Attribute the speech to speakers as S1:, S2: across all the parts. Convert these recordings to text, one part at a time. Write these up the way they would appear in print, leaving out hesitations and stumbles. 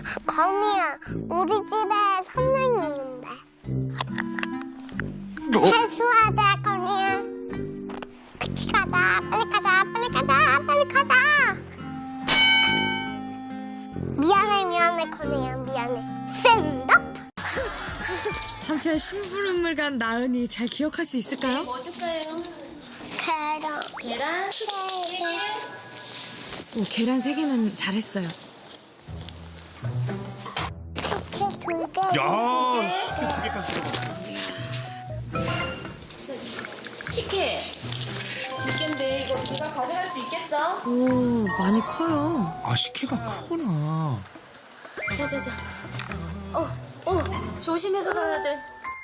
S1: 건이야, 우리 집에 선생님 있는데. 세수하자, 건이야. 같이 가자. 빨리 가자. 빨리 가자. 빨리 가자. 미안해, 건이야. 미안해. 샌드업.
S2: 한편 심부름을 간 나은이 잘 기억할 수 있을까요?
S3: 뭐 줄까요?
S1: 계란.
S3: 계란?
S2: 오, 계란 3개는 잘했어요.
S1: 치킨 2개.
S4: 야, 치킨 2개까지 들어갔어.
S3: 식혜. 2개인데 이거 네가 가져갈 수 있겠어?
S2: 오, 많이 커요.
S4: 아, 식혜가 크구나.
S3: 자자자. 조심해서 가야 돼.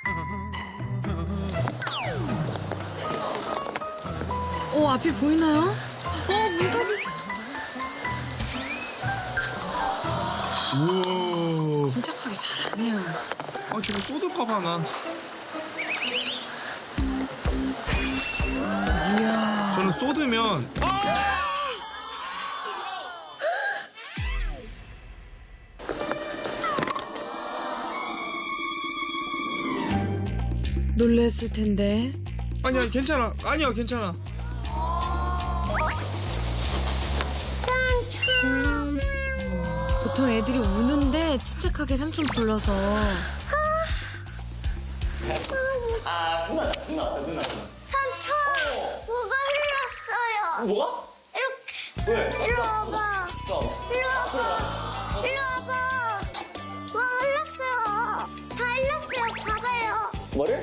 S2: 오, 앞이 보이나요? 문 닫았어.
S4: 우와.
S2: 침착하게 잘하네요.
S4: 아, 저거 쏟을까봐 난.
S2: 이야.
S4: 저는 쏟으면.
S2: 놀랬을 텐데.
S4: 아니야, 괜찮아. 아니야, 괜찮아.
S2: 보통 애들이 우는데 침착하게 삼촌 불러서.
S1: 삼촌, 뭐가 흘렀어요.
S5: 뭐가?
S1: 이렇게.
S5: 왜?
S1: 일로 와봐. 일로 와봐. 일로 와봐. 뭐 흘렀어요. 다 흘렀어요. 봐봐요.
S5: 뭐를?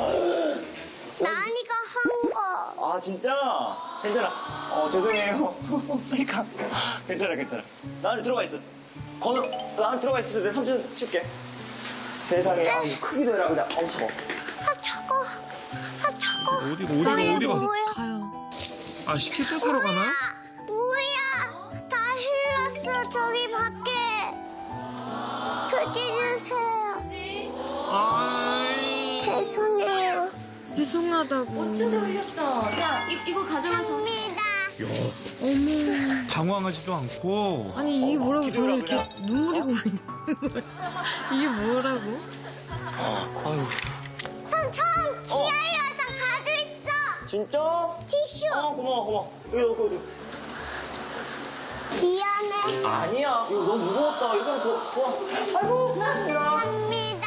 S1: 나은이가 한 거.
S5: 아 진짜? 괜찮아. 죄송해요. 그러니까 괜찮아. 나 안에 들어가 있어. 건우, 나 안에 들어가 있어. 내 삼촌 칠게. 세상에, 뭐 크기도 해라 그냥. 차워.
S1: 아, 차고. 아, 차고.
S4: 어디가?
S1: 뭐야?
S2: 가요.
S4: 아, 식혜 또 사러 가나?
S1: 뭐야? 다 흘렀어. 저기 밖에. 토지 주세요.
S4: 아이.
S1: 죄송해요.
S2: 죄송하다고.
S3: 어쩌다 흘렸어. 자, 이거 가져가서.
S1: 입니다.
S2: 어머.
S4: 당황하지도 않고.
S2: 아니, 이게 뭐라고 저는 이렇게
S5: 그냥.
S2: 눈물이 고이는 거예요. 이게 뭐라고?
S5: 아유.
S1: 삼촌, 기아이 화장 가져 있어.
S5: 진짜?
S1: 티슈.
S5: 고마워. 여기 놓고.
S1: 미안해.
S5: 아니야. 이거 너무 무거웠다. 이거 더. 아이고, 고맙습니다.
S1: 합니다.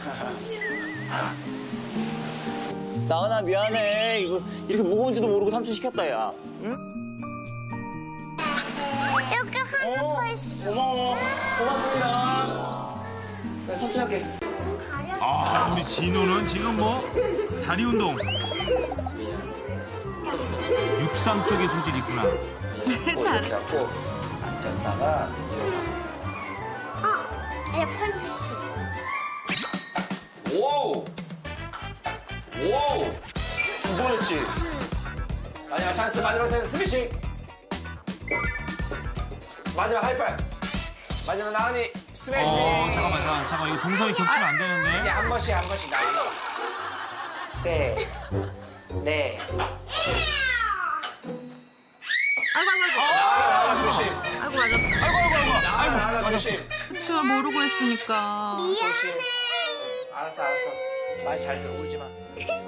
S5: 나은아, 미안해. 이거 이렇게 무거운지도 모르고 삼촌 시켰다, 야. 응?
S1: 이렇게 하나 더 있어.
S5: 고마워. 고맙습니다. 네, 삼촌 할게.
S4: 아, 우리 진호는 지금 뭐 다리 운동. 육상 쪽의 소질이 있구나.
S5: 이렇게 갖고 앉았다가
S1: 에어컨 할 수 있어.
S5: 와우! 이거였지? 마지막 찬스, 마지막 찬스, 스매싱! 마지막 하이파이! 마지막 나은이, 스매싱!
S4: 잠깐만. 이거 동선이 겹치면 안
S5: 이제
S4: 되는데.
S5: 한 번씩 나은이. 셋, 넷. 나은아 조심.
S2: 아이고, 맞아.
S5: 나은아 조심.
S2: 저 모르고 했으니까.
S5: 조심. 알았어. 말 잘 들어, 울지 마.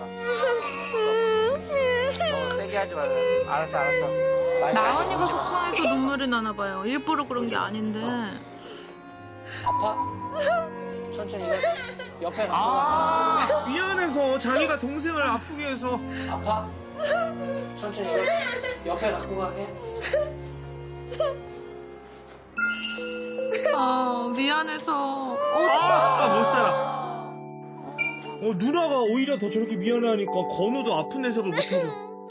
S5: 너무 세게 하지 말라. 알았어. 말 잘 들어.
S2: 나은이가 속상해서 눈물이 나나 봐요. 일부러 그런 게 아닌데.
S5: 아파? 천천히 옆에 갖고 가.
S4: 아, 미안해서 자기가 동생을 아프게 해서.
S5: 아파? 천천히 옆에 갖고 가게.
S2: 아, 미안해서.
S4: 못 살아. 누나가 오히려 더 저렇게 미안해하니까 건우도 아픈 내색을 못해줘.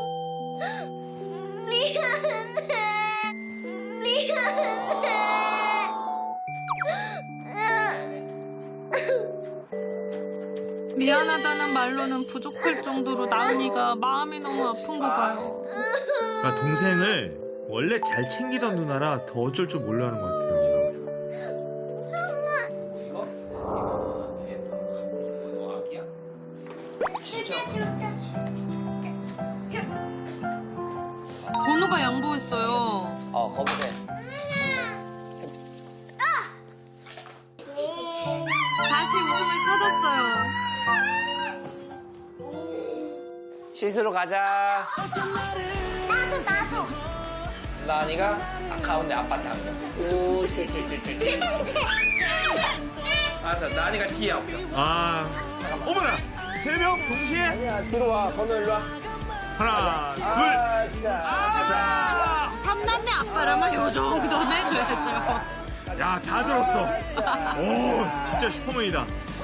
S2: 미안하다는 말로는 부족할 정도로 나은이가 마음이 너무 아픈가 봐요.
S4: 그러니까 동생을 원래 잘 챙기던 누나라 더 어쩔 줄 몰라하는 것 같아요.
S5: 이거? 너 아기야? 진짜?
S2: 건우가 양보했어요.
S5: 검은색.
S2: 웃음을 찾았어요.
S6: 씻으러 가자.
S1: 나도.
S6: 나은이가 가운데 아빠한테 한 명. 오, 쭈쭈쭈쭈. 알았어, 나은이가 뒤에 한 명.
S4: 아, 어머나! 3명 동시에?
S6: 아니야, 뒤로 와. 건우 일로 와.
S4: 하나, 둘.
S6: 자.
S4: 아!
S2: 삼남매 아빠라면 요 정도는 해줘야죠.
S4: 야, 다 들었어. 오, 진짜 슈퍼맨이다.